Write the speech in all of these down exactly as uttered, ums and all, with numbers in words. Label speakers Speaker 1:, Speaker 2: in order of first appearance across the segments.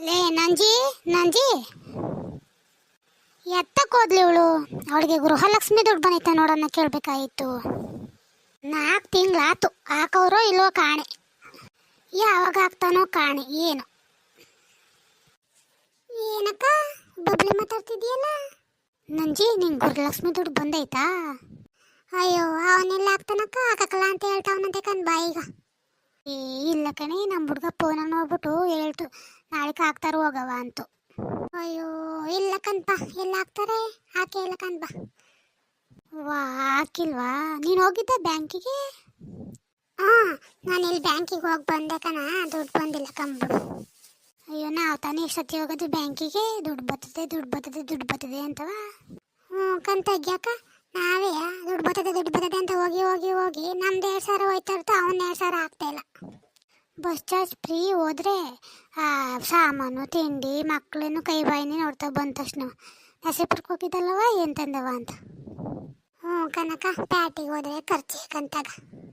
Speaker 1: ಲೇ ನಂಜಿ ನಂಜಿ ಎತ್ತಕ್ಕೆ ಹೋದ್ಲಿ ಇವಳು. ಅವಳಿಗೆ ಗೃಹಲಕ್ಷ್ಮಿ ದುಡ್ಡು ಬಂದೈತೆ ನೋಡೋಣ ಕೇಳಬೇಕಾಯಿತು. ನಾಲ್ಕು ತಿಂಗಳಾತು ಹಾಕವ್ರೋ ಇಲ್ವೋ ಕಾಣೆ. ಯಾವಾಗ ಹಾಕ್ತಾನೋ ಕಾಣೆ. ಏನು ಏನಕ್ಕ ಬಬ್ಲಿ ಮಾತಾಡ್ತಿದ್ಯಲ್ಲ? ನಂಜಿ ನಿಂಗೆ ಗೃಹಲಕ್ಷ್ಮಿ ದುಡ್ಡು ಬಂದೈತಾ? ಅಯ್ಯೋ ಅವನೆಲ್ಲ ಹಾಕ್ತಾನಕ್ಕ, ಹಾಕಕ್ಕಲ್ಲ ಅಂತ ಹೇಳ್ತಾವನಂತೆ ಕಣ್ ಬಾಯಿಗ. ಏ ಇಲ್ಲ ಕಣೆ, ನಮ್ಮ ಹುಡುಗ ಫೋನಲ್ಲಿ ನೋಡ್ಬಿಟ್ಟು ಹೇಳ್ತು ನಾಳೆಗೆ ಹಾಕ್ತಾರ ಹೋಗವ ಅಂತು. ಅಯ್ಯೋ ಇಲ್ಲ ಕಣ್ಪ, ಎಲ್ಲ ಹಾಕ್ತಾರೆ, ಹಾಕೇ ಇಲ್ಲ ಕಣ್ಪ. ವಾ ಹಾಕಿಲ್ವಾ? ನೀನು ಹೋಗಿದ್ದ ಬ್ಯಾಂಕಿಗೆ? ಹಾಂ ನಾನು ಇಲ್ಲಿ ಬ್ಯಾಂಕಿಗೆ ಹೋಗಿ ಬಂದೆ ಕಣ, ದುಡ್ಡು ಬಂದಿಲ್ಲ ಕಂಬಿಡು. ಅಯ್ಯೋ ನಾವು ತಾನೇ ಎಷ್ಟೊತ್ತಿ ಹೋಗೋದು ಬ್ಯಾಂಕಿಗೆ, ದುಡ್ಡು ಬರ್ತದೆ ದುಡ್ಡು ಬರ್ತದೆ ದುಡ್ಡು ಬರ್ತದೆ ಅಂತವ. ಹ್ಞೂ ಕಂತಗ್ಯಾಕ ನಾವೇ ದುಡ್ಡು ಬರ್ತದೆ ದುಡ್ಡು ಬರ್ತದೆ ಅಂತ ಹೋಗಿ ಹೋಗಿ ಹೋಗಿ ನಮ್ದು ಎರಡು ಸಾವಿರ ಹೋಯ್ತಾ ಇರ್ತಾ, ಅವನ್ನ ಎರಡು ಸಾವಿರ ಆಗ್ತಾ ಇಲ್ಲ. ಬಸ್ ಚಾರ್ಜ್ ಫ್ರೀ ಹೋದ್ರೆ ಸಾಮಾನು ತಿಂಡಿ ಮಕ್ಕಳೇನು ಕೈ ಬಾಯಿನೇ ನೋಡ್ತಾ ಬಂದ ತಕ್ಷಣ ನಸೀಪುರಕ್ಕೆ ಹೋಗಿದ್ದಲ್ಲವ ಏನು ತಂದವ ಅಂತ. ಹ್ಞೂ ಕನಕ ಪ್ಯಾಟಿಗೆ ಹೋದ್ರೆ ಖರ್ಚು ಕಂತಾಗ.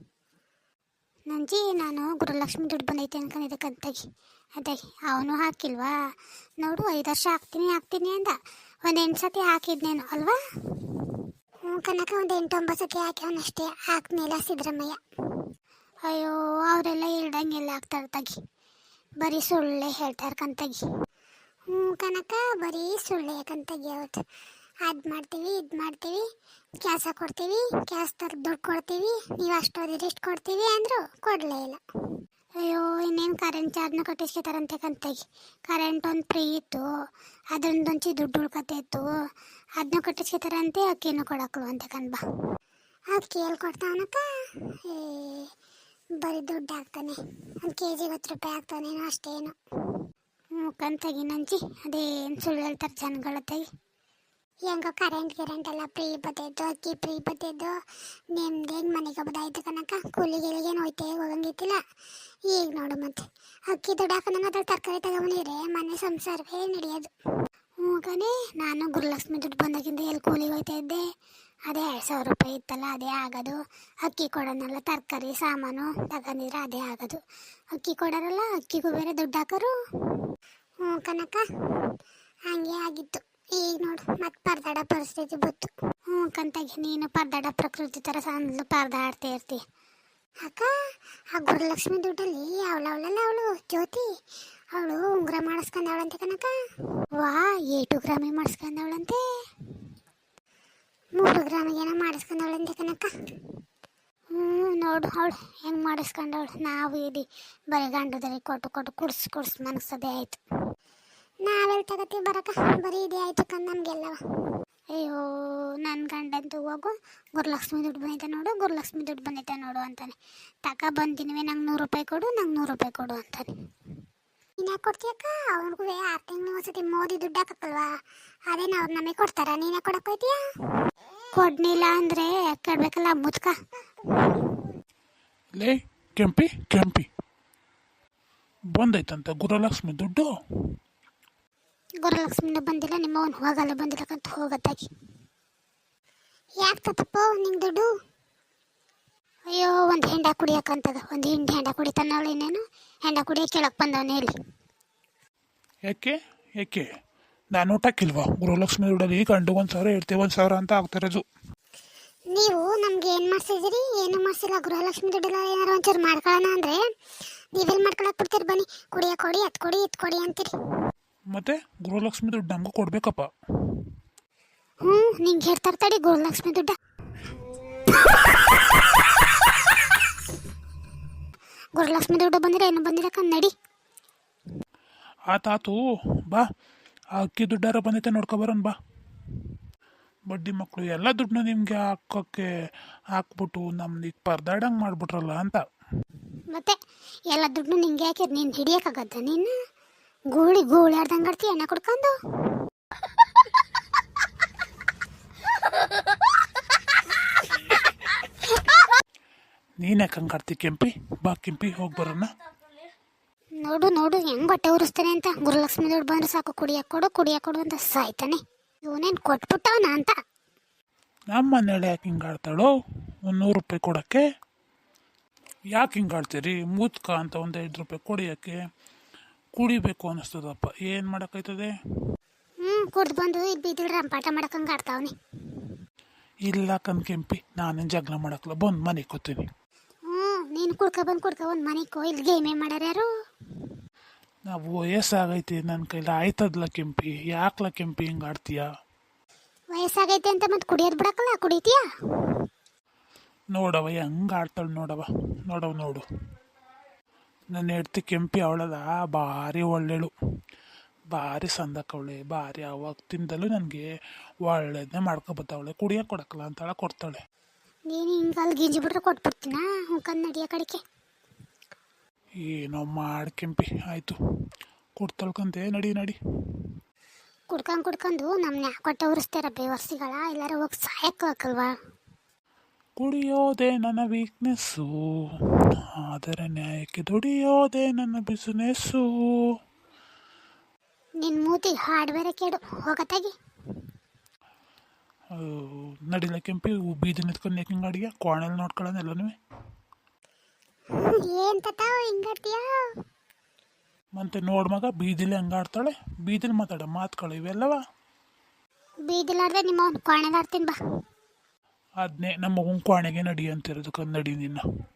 Speaker 1: ನಂಜಿ ನಾನು ಗೃಹಲಕ್ಷ್ಮಿ ದುಡ್ಡು ಬಂದೈತೆ ಅನ್ಕೊಂಡಿದ್ದೆ ಕಂತಾಗಿ. ಅದೇ ಅವನು ಹಾಕಿಲ್ವಾ ನೋಡು, ಐದು ವರ್ಷ ಹಾಕ್ತೀನಿ ಹಾಕ್ತೀನಿ ಅಂದ. ಒಂದು ಎಂಟು ಸತಿ ಹಾಕಿದ್ನೇನು ಅಲ್ವಾ? ಹ್ಞೂ ಕನಕ ಒಂದು ಎಂಟು ಒಂಬತ್ತು ಸತಿ ಹಾಕ್ಯವನಷ್ಟೇ, ಹಾಕ್ಮೇಲೆ ಸಿದ್ದರಾಮಯ್ಯ. ಅಯ್ಯೋ ಅವರೆಲ್ಲ ಹೇಳ್ದಂಗೆಲ್ಲ ಹಾಕ್ತಾರೆ ತಗಿ, ಬರೀ ಸುಳ್ಳೆ ಹೇಳ್ತಾರೆ ಕಂತಗಿ. ಹ್ಞೂ ಕನಕ ಬರೀ ಸುಳ್ಳೆ ಕಂತಗಿ. ಅವತ್ತು ಅದು ಮಾಡ್ತೀವಿ ಇದು ಮಾಡ್ತೀವಿ, ಕೆಲಸ ಕೊಡ್ತೀವಿ, ಕೆಲಸದವ್ರಿಗೆ ದುಡ್ಡು ಕೊಡ್ತೀವಿ, ನೀವು ಅಷ್ಟೋದಿದ್ರೆ ಇಷ್ಟು ಕೊಡ್ತೀವಿ ಅಂದರು ಕೊಡಲೇ ಇಲ್ಲ. ಅಯ್ಯೋ ಇನ್ನೇನು ಕರೆಂಟ್ ಚಾರ್ಜ್ನ ಕಟ್ಟಿಸ್ಕೊತಾರಂತೆ ಕಂತಾಗಿ. ಕರೆಂಟ್ ಒಂದು ಫ್ರೀ ಇತ್ತು, ಅದೊಂದೊಂಚಿ ದುಡ್ಡು ಉಳ್ಕತ್ತೆ ಇತ್ತು, ಅದನ್ನ ಕಟ್ಟಿಸ್ಕೊತಾರಂತೆ. ಅಕ್ಕಿನೂ ಕೊಡಕ್ಳು ಅಂತೆ ಕಣ್ಬಾ. ಅಕ್ಕಿ ಎಲ್ಲಿ ಕೊಡ್ತಾವನಕ್ಕ? ಏ ಬರೀ ದುಡ್ಡು ಹಾಕ್ತಾನೆ, ಒಂದು ಕೆ ಜಿಗೆ ಹತ್ತು ರೂಪಾಯಿ ಹಾಕ್ತಾನೇನೋ ಅಷ್ಟೇನು. ಹ್ಞೂ ಕಂತಾಗಿ ನಂಜಿ, ಅದೇನು ಸುಳ್ಳು ಹೇಳ್ತಾರೆ ಜನಗಳ ತಾಯಿ. ಹೆಂಗೋ ಕರೆಂಟ್ ಗಿರೆಂಟ್ ಎಲ್ಲ ಫ್ರೀ ಬತ್ತಿದ್ದು, ಅಕ್ಕಿ ಫ್ರೀ ಬತ್ತಿದ್ದು, ನಿಮ್ದೇನು ಮನೆಗೆ ಬದಾಯ್ತು ಕನಕ. ಕೂಲಿಗೆಲಿಗೇನು ಹೋಯ್ತೆ ಹೋಗಂಗಿತ್ತಿಲ್ಲ. ಈಗ ನೋಡು ಮತ್ತೆ ಅಕ್ಕಿ ದುಡ್ಡು ಹಾಕೋಣ ಅದ್ರ ತರಕಾರಿ ತಗೊಂಡಿದ್ರೆ ಮನೆ ಸಂಸಾರವೇ ನಡೆಯೋದು. ಹ್ಞೂ ಕಣೆ, ನಾನು ಗೃಹಲಕ್ಷ್ಮಿ ದುಡ್ಡು ಬಂದಾಗಿಂದ ಎಲ್ಲಿ ಕೂಲಿಗೆ ಹೋಯ್ತಾ ಇದ್ದೆ, ಅದೇ ಎರಡು ಸಾವಿರ ರೂಪಾಯಿ ಇತ್ತಲ್ಲ ಅದೇ ಆಗೋದು. ಅಕ್ಕಿ ಕೊಡೋನಲ್ಲ ತರಕಾರಿ ಸಾಮಾನು ತಗೊಂಡಿದ್ರೆ ಅದೇ ಆಗೋದು. ಅಕ್ಕಿ ಕೊಡೋರಲ್ಲ, ಅಕ್ಕಿಗೂ ಬೇರೆ ದುಡ್ಡು ಹಾಕೋರು. ಹ್ಞೂ ಕನಕ ಹಂಗೆ ಆಗಿತ್ತು. ಈಗ ನೋಡು ಮತ್ತೆ ಪರದಾಡ ಪರಿಸ್ಥಿತಿ ಬಂತು. ಹ್ಞೂ ಕಂತಾಗಿ ನೀನು ಪರದಾಡ ಪ್ರಕೃತಿ ಥರ ಸಣ್ಣ ಪರದಾಡ್ತಾ ಇರ್ತಿ. ಅಕ್ಕ ಆ ಗೃಹಲಕ್ಷ್ಮಿ ದುಡ್ಡಲ್ಲಿ ಅವಳು ಅವಳಲ್ಲ ಅವಳು ಜ್ಯೋತಿ, ಅವಳು ಉಂಗುರ ಮಾಡಿಸ್ಕೊಂಡವಳಂತೆ ಕನಕ. ವಾ ಏಟು ಗ್ರಾಮಿ ಮಾಡಿಸ್ಕೊಂಡವಳಂತೆ, ಮೂರು ಗ್ರಾಮಿಗೇನೋ ಮಾಡಿಸ್ಕೊಂಡವಳಂತೆ ಕನಕ. ಹ್ಞೂ ನೋಡು ಅವಳು ಹೆಂಗೆ ಮಾಡಿಸ್ಕೊಂಡವಳು. ನಾವು ಇಲ್ಲಿ ಬರೀ ಗಂಡದಲ್ಲಿ ಕೊಟ್ಟು ಕೊಟ್ಟು ಕುಡ್ಸಿ ಕುಡ್ಸಿ ಮನಸ್ಸದೇ ಆಯಿತು. ನಾವೆಲ್ಲಿ ತಗೋತೀವಿ ಬರಕ, ಬರೀ ಇದೇ ಆಯಿತು ಕಂದು ನಮಗೆಲ್ಲವ. ಅಯ್ಯೋ ನನ್ನ ಗಂಡಂತೂ ಹೋಗು ಗೃಹಲಕ್ಷ್ಮಿ ದುಡ್ಡು ಬಂದೈತೆ ನೋಡು, ಗೃಹಲಕ್ಷ್ಮಿ ದುಡ್ಡು ಬಂದೈತೆ ನೋಡು ಅಂತಾನೆ. ತಕ ಬಂದಿನವೆ ನಂಗೆ ನೂರು ರೂಪಾಯಿ ಕೊಡು, ನಂಗೆ ನೂರು ರೂಪಾಯಿ ಕೊಡು ಅಂತಾನೆ. ನೀನು ಯಾಕೆ ಕೊಡ್ತೀಯಕ್ಕ? ಅವ್ರಿಗೂ ಆರು ತಿಂಗಳು ಒಂದ್ಸತಿ ಮೋದಿ ದುಡ್ಡು ಹಾಕಲ್ವಾ, ಅದೇನು ಅವ್ರು ನಮಗೆ ಕೊಡ್ತಾರ, ನೀನೇ ಕೊಡಕ್ಕೆ ಹೋಯ್ತೀಯ? ಕೊಡ್ನಿಲ್ಲ ಅಂದರೆ ಕೇಳಬೇಕಲ್ಲ ಮುದ್ಕ.
Speaker 2: ಲೇ ಕೆಂಪಿ ಕೆಂಪಿ ಬಂದೈತಂತ ಗೃಹಲಕ್ಷ್ಮಿ ದುಡ್ಡು?
Speaker 1: ಗೃಹಲಕ್ಷ್ಮಿನ ಬಂದಿಲ್ಲ, ನಿಮ್ಮ ಅವನು ಹೋಗಲ್ಲ ಬಂದಿಲ್ಲಕ್ಕಂತ ಹೋಗತ್ತಾಗಿ. ಯಾಕೆ ತಪ್ಪು ನಿಂಗೆ ದುಡ್ಡು? ಅಯ್ಯೋ ಒಂದು ಹೆಂಡ ಕುಡಿಯೋಕ್ಕಂತದ, ಒಂದು ಹಿಂಡಿ ಹೆಂಡ ಕುಡಿತಾನವಳು, ಇನ್ನೇನು ಹೆಂಡ ಕುಡಿಯೋ ಕೇಳಕ್ಕೆ ಬಂದವನೇ ಇಲ್ಲಿ.
Speaker 2: ಯಾಕೆ ಯಾಕೆ ನಾನು ಊಟಕ್ಕಿಲ್ವಾ? ಗೃಹಲಕ್ಷ್ಮಿ ದುಡ್ಡಲ್ಲಿ ಗಂಡು ಒಂದು ಸಾವಿರ ಇಡ್ತೀವಿ ಒಂದು ಸಾವಿರ ಅಂತ ಆಗ್ತಿರೋದು.
Speaker 1: ನೀವು ನಮ್ಗೆ ಏನು ಮಾಡ್ಸಿದಿರಿ? ಏನು ಮಾಡಿಸಿಲ್ಲ. ಗೃಹಲಕ್ಷ್ಮಿ ದುಡ್ಡೆಲ್ಲ ಏನಾರು ಒಂಚೂರು ಮಾಡ್ಕೊಳ್ಳೋಣ ಅಂದರೆ ನೀವೆಲ್ಲಿ ಮಾಡ್ಕೊಳಕ್ಕೆ ಬಿಡ್ತೀರಿ? ಬನ್ನಿ ಕುಡಿಯೋ ಕೊಡಿ, ಅದು ಕೊಡಿ ಇದು ಕೊಡಿ ಅಂತೀರಿ.
Speaker 2: ಮತ್ತೆ ಗೃಹಲಕ್ಷ್ಮಿ ದುಡ್ಡು ನಮಗೂ ಕೊಡ್ಬೇಕಪ್ಪ.
Speaker 1: ಹ್ಞೂ ನಿಂಗೆ ಹೇಳ್ತಾರೆ ತಡಿ ಗೃಹಲಕ್ಷ್ಮಿ ದುಡ್ಡ. ಗೃಹಲಕ್ಷ್ಮಿ ದುಡ್ಡು ಬಂದಿರ ಏನು ಬಂದಿರ ಕನ್ನಡಿ.
Speaker 2: ಆತಾತು ಬಾ, ಆ ಅಕ್ಕಿ ದುಡ್ಡಾರ ಬಂದೈತೆ ನೋಡ್ಕೊಬರೋಣ ಬಾ. ಬಡ್ಡಿ ಮಕ್ಕಳು ಎಲ್ಲ ದುಡ್ಡನ್ನ ನಿಮಗೆ ಹಾಕೋಕ್ಕೆ ಹಾಕ್ಬಿಟ್ಟು ನಮ್ದು ಈಗ ಪರದಾಡಂಗೆ ಮಾಡಿಬಿಟ್ರಲ್ಲ ಅಂತ.
Speaker 1: ಮತ್ತೆ ಎಲ್ಲ ದುಡ್ಡು ನಿಂಗೆ ಹಾಕಿರ್ ನೀನು ಹಿಡಿಯೋಕ್ಕಾಗತ್ತ? ನೀನು ಗೂಳಿ ಗೂಳಿ ಆಡ್ದಂಗೆ ಆಡ್ತಿ ಎಣ್ಣೆ ಕುಡ್ಕೊಂಡು.
Speaker 2: ನೀನು ಯಾಕೆ ಹಂಗೆ ಆಡ್ತಿ ಕೆಂಪಿ? ಬಾ ಕೆಂಪಿ ಹೋಗಿ ಬರೋಣ.
Speaker 1: ನೋಡು ನೋಡು ಹೆಂಗೆ ಬಟ್ಟೆ ಉರಿಸ್ತಾನೆ ಅಂತ. ಗೃಹಲಕ್ಷ್ಮಿ ದುಡ್ಡು ಬಂದ್ರೆ ಸಾಕು ಕುಡಿಯಕ್ಕೆ ಕೊಡು ಕುಡಿಯಕ್ಕೆ ಕೊಡು ಅಂತ ಸಾಯ್ತಾನೆ. ಇವನೇನು ಕೊಟ್ಬಿಟ್ಟವನ ಅಂತ.
Speaker 2: ನಮ್ಮ ಮನೇಲಿ ಯಾಕೆ ಹಿಂಗೆ ಆಡ್ತಾಳೋ? ಒಂದು ನೂರು ರೂಪಾಯಿ ಕೊಡೋಕ್ಕೆ ಯಾಕೆ ಹಿಂಗೆ ಆಡ್ತೀರಿ? ಮೂತ್ಕ ಅಂತ ಒಂದು ಐದು ರೂಪಾಯಿ ಕೊಡಿಯೋಕ್ಕೆ ಕುಡಿಬೇಕು ಅನ್ನಿಸ್ತದಪ್ಪ, ಏನು ಮಾಡೋಕ್ಕೈತದೆ.
Speaker 1: ಹ್ಞೂ ಕುಡ್ದು ಬಂದು ಇಲ್ಲಿ ಬೀದಿಲ್ ರಂಪಾಟ ಮಾಡಕ್ಕಂಗೆ ಆಡ್ತಾವನಿ.
Speaker 2: ಇಲ್ಲ ಕಣ್ ಕೆಂಪಿ, ನಾನೇನು ಜಗಳ ಮಾಡಕ್ಕಲ್ಲ, ಬಂದು ಮನೆಗೆ ಕೂತೀನಿ.
Speaker 1: ಹ್ಞೂ ನೀನು ಕುಡ್ಕೊ ಬಂದು ಕುಡ್ಕೊ ಬಂದು ಮನೆಗೆ ಕೋ, ಇಲ್ಲಿ ಗೇಮೇ ಮಾಡ್ಯಾರ ಯಾರು?
Speaker 2: ನಾವು ವಯಸ್ಸಾಗೈತಿ, ನನ್ನ ಕೈಲಿ ಆಯ್ತದಲ್ಲ ಕೆಂಪಿ, ಯಾಕಲ ಕೆಂಪಿ ಹಿಂಗೆ ಆಡ್ತೀಯ?
Speaker 1: ವಯಸ್ಸಾಗೈತೆ ಅಂತ ಮತ್ತೆ ಕುಡಿಯೋದು ಬಿಡಕ್ಕಲ್ಲ, ಕುಡಿತೀಯಾ?
Speaker 2: ನೋಡವ ಹೆಂಗೆ ಆಡ್ತಾಳೆ ನೋಡವ, ನೋಡವ ನೋಡು. ನನ್ನ ಹೆಡ್ತಿ ಕೆಂಪಿ ಅವಳದ ಭಾರಿ ಒಳ್ಳೆಳು, ಭಾರಿ ಸಂದಕವಳೆ, ಭಾರಿ ಅವತ್ತಿಂದಲೂ ನನಗೆ ಒಳ್ಳೇದನ್ನೇ ಮಾಡ್ಕೊಬತ್ತವಳೆ. ಕುಡಿಯೋಕೆ ಕೊಡಕ್ಕಲ್ಲ ಅಂತಾಳ, ಕೊಡ್ತಾಳೆ.
Speaker 1: ನೀನು ಹಿಂಗೆ ಅಲ್ಲಿ ಗಿಂಜಿ ಬಿಟ್ರೆ ಕೊಟ್ಬಿಡ್ತೀನ, ಹುಂಕಂದು ನಡಿಯೋ ಕಡೆಗೆ.
Speaker 2: ಏನೋ ಮಾಡಿ ಕೆಂಪಿ, ಆಯಿತು ಕೊಡ್ತಾಳ್ಕಂತೆ, ನಡಿ ನಡಿ.
Speaker 1: ಕುಡ್ಕೊಂಡು ಕುಡ್ಕೊಂಡು ನಮ್ಮನ್ನ ಕೊಟ್ಟೆ ಉರಿಸ್ತಾರ ಬೇವರ್ಸಿಗಳ, ಎಲ್ಲಾರ ಹೋಗಿ ಸಾಯಕ್ಕೆ ಹಾಕಲ್ವಾ?
Speaker 2: ಕುಡಿಯೋದೇ ನನ್ನ ವೀಕ್ನೆಸ್ಸು, ಆದರೆ ನ್ಯಾಯಕ್ಕೆ ದುಡಿಯೋದೇ ನನ್ನ ಬಿಸಿನೆಸ್ಸು.
Speaker 1: ನಿನ್ನ ಮೂತಿಗೆ ಹಾಡು ಬೇರೆ ಕೇಳು, ಹೋಗತ್ತಾಗಿ.
Speaker 2: ನಡಿಲ್ಲ ಕೆಂಪಿ, ಬೀದಿ ನಿಂತ್ಕೊಂಡು ಯಾಕೆ ಅಡಿಗೆ ಕೋಣೆಲ್ಲಿ ನೋಡ್ಕೊಳ್ಳೋಣ ಎಲ್ಲನೂ.
Speaker 1: ಏನು ತತಾವ ಹಿಂಗಾಡ್ತೀಯ?
Speaker 2: ಮತ್ತೆ ನೋಡ್ ಮಗ, ಬೀದಿಲಿ ಹಂಗಾಡ್ತಾಳೆ, ಬೀದಿಲಿ ಮಾತಾಡ ಮಾತುಗಳು ಇವೆಲ್ಲವ.
Speaker 1: ಬೀದಿಲಾರ್ದೆ ನಿಮ್ಮ ಅವ್ನು ಕೋಣೆದಾಡ್ತೀನಿ ಬಾ.
Speaker 2: ಅದನ್ನೇ ನಮ್ಮ ಮಗನ ಕೋಣೆಗೆ ನಡಿ ಅಂತಿರೋದು, ನಡಿ ನಿನ್ನ.